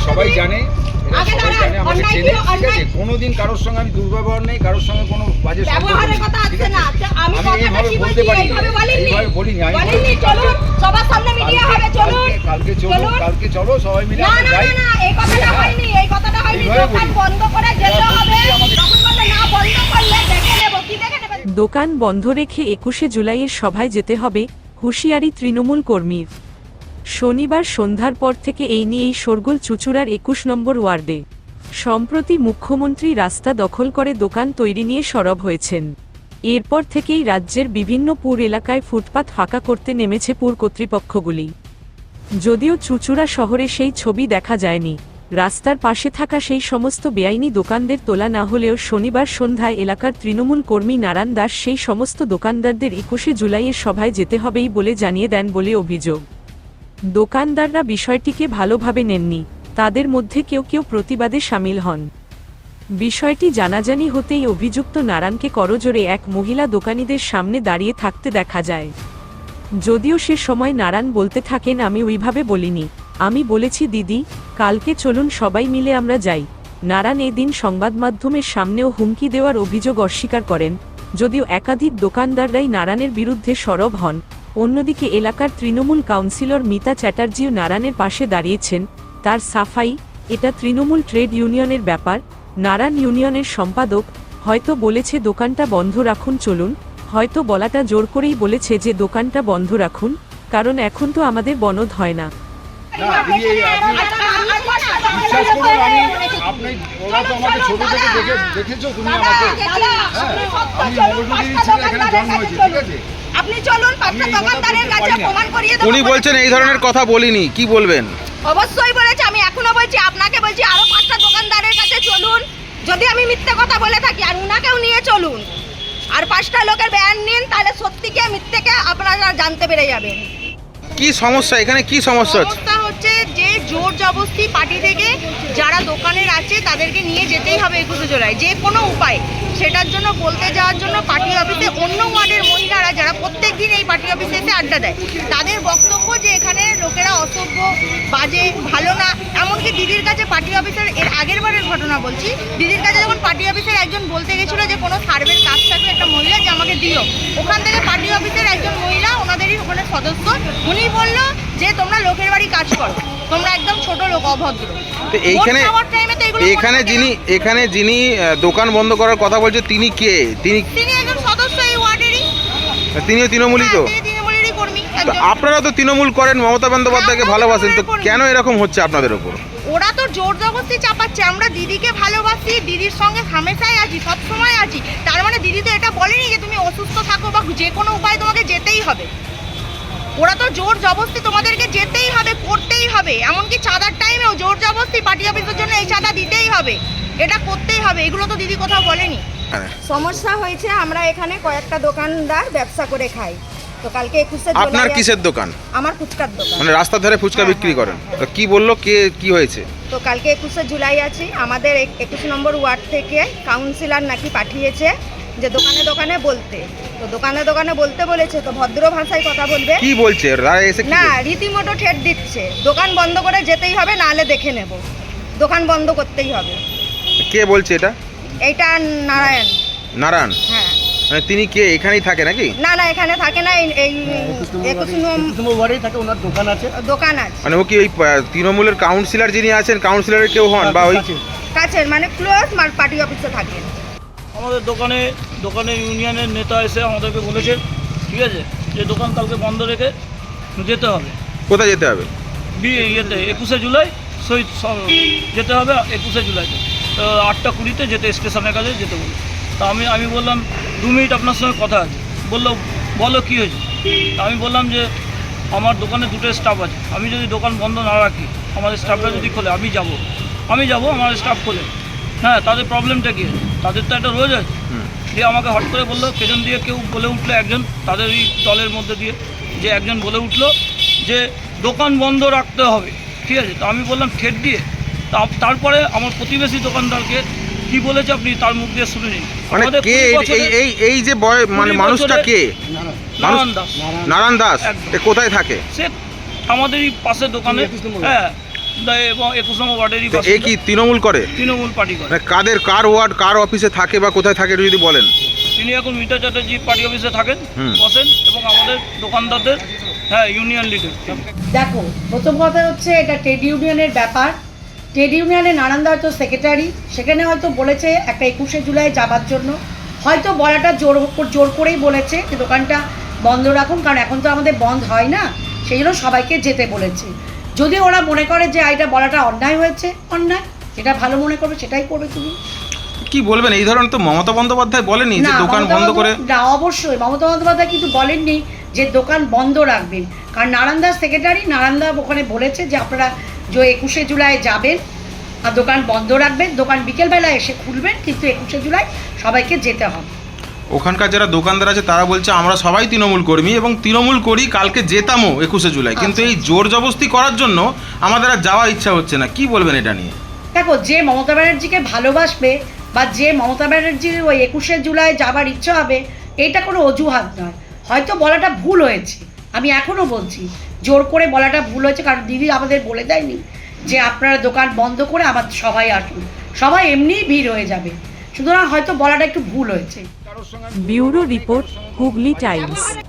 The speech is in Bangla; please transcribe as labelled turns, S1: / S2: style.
S1: সবাই জানে, সবাই জানে, আমাকে চেনে, ঠিক আছে? কোনোদিন কারোর সঙ্গে আমি দুর্ব্যবহার নেই, কারোর সঙ্গে কোনো বাজে সম্পর্ক নেই, ঠিক আছে? আমি এইভাবে বলতে পারি, এইভাবে বলিনি। আমি কালকে চলো সবাই মিলে আমরা যাই।
S2: দোকান বন্ধ রেখে 21শে জুলাইয়ের সভায় যেতে হবে, হুঁশিয়ারি তৃণমূল কর্মীর। শনিবার সন্ধ্যার পর থেকে এই নিয়েই শোরগোল চুঁচুড়ার 21 নম্বর ওয়ার্ডে। সম্প্রতি মুখ্যমন্ত্রী রাস্তা দখল করে দোকান তৈরি নিয়ে সরব হয়েছেন। এরপর থেকেই রাজ্যের বিভিন্ন পুর এলাকায় ফুটপাত ফাঁকা করতে নেমেছে পুর কর্তৃপক্ষগুলি। যদিও চুঁচুড়া শহরে সেই ছবি দেখা যায়নি, রাস্তার পাশে থাকা সেই সমস্ত বেআইনি দোকানদের তোলা না হলেও শনিবার সন্ধ্যায় এলাকার তৃণমূল কর্মী নারায়ণ দাস সেই সমস্ত দোকানদারদের 21শে জুলাইয়ের সভায় যেতে হবেই বলে জানিয়ে দেন বলে অভিযোগ। দোকানদাররা বিষয়টিকে ভালোভাবে নেননি, তাদের মধ্যে কেউ কেউ প্রতিবাদে সামিল হন। বিষয়টি জানাজানি হতেই অভিযুক্ত নারায়ণকে করজোড়ে এক মহিলা দোকানিদের সামনে দাঁড়িয়ে থাকতে দেখা যায়। যদিও সে সময় নারায়ণ বলতে থাকেন, আমি ওইভাবে বলিনি, আমি বলেছি দিদি, কালকে চলুন সবাই মিলে আমরা যাই। নারায়ণ এদিন সংবাদ মাধ্যমের সামনেও হুমকি দেওয়ার অভিযোগ অস্বীকার করেন। যদিও একাধিক দোকানদাররাই নারায়ণের বিরুদ্ধে সরব হন। অন্যদিকে এলাকার তৃণমূল কাউন্সিলর মিতা চ্যাটার্জিও নারায়ণের পাশে দাঁড়িয়েছেন। তার সাফাই, এটা তৃণমূল ট্রেড ইউনিয়নের ব্যাপার। নারায়ণ ইউনিয়নের সম্পাদক, হয়তো বলেছে দোকানটা বন্ধ রাখুন চলুন, হয়তো বলাটা জোর করেই বলেছে যে দোকানটা বন্ধ রাখুন, কারণ এখন তো আমাদের বনদ হয় না।
S1: বিশ্বাস করুন, আপনি ওরা তো আমাকে ছোট থেকে দেখেছো তুমি আমাকে, আমি মৌলভীর ছেলে, এখানে জন্ম হয়েছে, ঠিক আছে?
S3: আপনি চলুন পাঁচটা দোকানদারের কাছে প্রমাণ করিয়ে দেব।
S4: উনি বলছেন এই ধরনের কথা বলিনি, কি বলবেন?
S3: অবশ্যই বলেছে, আমি এখনো বলছি, আপনাকে বলছি আরো পাঁচটা দোকানদারের কাছে চলুন। যদি আমি মিথ্যে কথা বলে থাকি আর উনাকেও নিয়ে চলুন, আর পাঁচটা লোকের বয়ান নিন, তাহলে সত্যিকে মিথ্যেকে আপনারা জানতে পেরে যাবেন।
S4: কি সমস্যা এখানে, কি সমস্যা হচ্ছে?
S3: সমস্যা হচ্ছে যে জোর জবরদস্তি পার্টি থেকে যারা দোকানের আছে তাদেরকে নিয়ে যেতেই হবে 21শে জুলাই, যে কোনো উপায়। সেটার জন্য বলতে যাওয়ার জন্য পার্টি অফিসে অন্য ওয়ার্ডের মহিলারা যারা প্রত্যেক দিন এই পার্টি অফিসে এসে আড্ডা দেয়, তাদের বক্তব্য যে এখানে লোকেরা অসভ্য, বাজে, ভালো না। এমনকি দিদির কাছে পার্টি অফিসের, এর আগের বারের ঘটনা বলছি, দিদির কাছে যখন পার্টি অফিসের একজন বলতে গেছিলো যে কোনো সার্ভের কাজ থাকবে একটা মহিলা যে আমাকে দিও, ওখান থেকে পার্টি অফিসের একজন মহিলা, ওনাদেরই ওখানে সদস্য, উনি বললো যে তোমরা লোকের বাড়ি কাজ করো, তোমরা একদম ছোট লোক, অভদ্র।
S4: এখানে যিনি দোকান বন্ধ করার কথা বলছে তিনি কে? তিনি
S3: একজন সদস্য এই ওয়ার্ডেরই।
S4: তিনিও তৃণমূলই তো?
S3: তৃণমূলেরই কর্মী।
S4: আপনারা তো তৃণমূল করেন, মমতা বন্দ্যোপাধ্যায়কে ভালোবাসেন, তো কেন এরকম হচ্ছে আপনাদের উপর?
S3: ওরা তো জোর জবরদস্তি চাপাচ্ছে। আমরা দিদিকে ভালোবাসি, দিদির সঙ্গে হামেশাই আছি, সবসময় আছি। তার মানে দিদি তো এটা বলেনি যে তুমি অসুস্থ থাকো বা যে কোনো উপায় তোমাকে যেতেই হবে। ওরা তো জোর জবরদস্তি তোমাদেরকে যেতেই হবে, করতেই হবে। এমনকি চাঁদার টাইমেও জোর জবরদস্তি পার্টি অফিসের জন্য এই চাঁদা দিতেই হবে, এটা করতেই হবে, এগুলো তো দিদি কোথাও বলেনি। সমস্যা হয়েছে, আমরা এখানে কয়েকটা দোকানদার ব্যবসা করে খাই। তো কালকে 21শে জুলাই।
S4: আপনার কিসের দোকান?
S3: আমার ফুচকার দোকান।
S4: মানে রাস্তার ধারে ফুচকা বিক্রি করেন? তো কি বললো, কে কি হয়েছে?
S3: তো কালকে 21শে জুলাই আছে, আমাদের 21 নম্বর ওয়ার্ড থেকে কাউন্সিলর নাকি পাঠিয়েছে যে দোকানে দোকানে বলতে। তো দোকানে দোকানে বলতে বলেছে, তো ভদ্র ভাষায় কথা বলবে।
S4: কি বলছে
S3: না, রীতিমতো ঠেট দিচ্ছে, দোকান বন্ধ করে যেতেই হবে, নাহলে দেখে নেব, দোকান বন্ধ করতেই হবে।
S4: কে বলছে এটা?
S3: এইটা নারায়ণ।
S4: নারায়ণ?
S3: হ্যাঁ।
S4: মানে তিনি কে, এখানেই থাকে নাকি?
S3: না না, এখানে থাকে না, এই 21 নম্বর ওয়ার্ডেই থাকে, ওনার দোকান আছে। দোকান আছে
S4: মানে ও কি ওই তৃণমূলের কাউন্সিলর যিনি আছেন, কাউন্সিলরের কেউ হন বা ওই
S3: কাছের, মানে ক্লোজ পার্টি অফিসে থাকেন?
S5: আমাদের দোকানে ইউনিয়নের নেতা এসে আমাদেরকে বলেছে, ঠিক আছে, যে দোকান কালকে বন্ধ রেখে যেতে হবে।
S4: কোথায় যেতে হবে?
S5: ইয়েতে 21শে জুলাই শহীদ যেতে হবে, 21শে জুলাইতে। তো 8টা 20-তে যেতে, স্টেশনের কাছে যেতে বলে। তা আমি বললাম 2 মিনিট আপনার সঙ্গে কথা আছে। বললো বলো কী হয়েছে? আমি বললাম যে আমার দোকানে 2টো স্টাফ আছে, আমি যদি দোকান বন্ধ না রাখি, আমাদের স্টাফরা যদি খোলে, আমি যাব, আমার স্টাফ খোলে। হ্যাঁ, তাদের প্রবলেমটা কী? তাদের তো একটা রোজ আছে। দিয়ে আমাকে হট করে বললো, পেছন দিয়ে কেউ বলে উঠলো, একজন তাদের এই দলের মধ্যে দিয়ে যে একজন বলে উঠলো যে দোকান বন্ধ রাখতে হবে, ঠিক আছে। তো আমি বললাম ঠেট দিয়ে। তারপরে আমার প্রতিবেশী দোকানদারকে কি বলেছে আপনি তার মুখ দিয়ে শুনে নিন।
S4: মানে কে এই যে মানে মানুষটা কে?
S5: নারায়ণ দাস।
S4: নারায়ণ দাস কোথায় থাকে?
S5: সে আমাদেরই পাশের দোকানে। হ্যাঁ, এবং 21 নম্বর ওয়ার্ডেরই
S4: তো এ কি তৃণমূল করে?
S5: তৃণমূল পার্টি করে।
S4: মানে কার ওয়ার্ড কার অফিসে থাকে বা কোথায় থাকে একটু যদি বলেন।
S5: তিনি এখন মিতা চ্যাটার্জি পার্টি অফিসে থাকেন,
S4: হুম।
S5: বসেন, এবং আমাদের দোকানদারদের ইউনিয়ন লিডার।
S6: দেখো, প্রথম কথা হচ্ছে এটা ট্রেড ইউনিয়নের ব্যাপার। ট্রেড ইউনিয়নে নারায়ণদা হয়তো সেক্রেটারি, সেখানে হয়তো বলেছে একটা 21শে জুলাই যাবার জন্য, হয়তো বলাটা জোর করেই বলেছে যে দোকানটা বন্ধ রাখুন, কারণ এখন তো আমাদের বন্ধ হয় না, সেই জন্য সবাইকে যেতে বলেছে। যদি ওরা মনে করে যে এটা বলাটা অন্যায় হয়েছে, অন্যায়, যেটা ভালো মনে করবে সেটাই করবে। তুমি
S4: কি বলবেন, এই ধরনের তো মমতা বন্দ্যোপাধ্যায় বলেনি যে দোকান বন্ধ করে?
S6: না, অবশ্যই মমতা বন্দ্যোপাধ্যায় কিন্তু বলেননি যে দোকান বন্ধ রাখবেন, কারণ নারায়ণদার সেক্রেটারি, নারায়ণদা ওখানে বলেছে যে আপনারা যে 21শে জুলাই যাবেন আর দোকান বন্ধ রাখবেন, দোকান বিকেলবেলা এসে খুলবেন, কিন্তু 21শে জুলাই সবাইকে যেতে হবে।
S4: ওখানকার যারা দোকানদার আছে তারা বলছে আমরা সবাই তৃণমূল কর্মী এবং তৃণমূল করি, কালকে যেতামও 21শে জুলাই, কিন্তু এই জোর জবরদস্তি করার জন্য আমাদের আর যাওয়ার ইচ্ছা হচ্ছে না। কি বলবেন এটা নিয়ে?
S6: দেখো, যে মমতা ব্যানার্জিকে ভালোবাসবে বা যে মমতা ব্যানার্জির ওই 21শে জুলাই যাবার ইচ্ছা হবে, এটা কোনো অজুহাত নয়। হয়তো বলাটা ভুল হয়েছে, আমি এখনও বলছি জোর করে বলাটা ভুল হয়েছে, কারণ দিদি আমাদের বলে দেয়নি যে আপনারা দোকান বন্ধ করে আমার সবাই আসুন, সবাই এমনিই ভিড় হয়ে যাবে, সুতরাং হয়তো বলাটা একটু ভুল হয়েছে।
S2: Bureau report, Hooghly Times.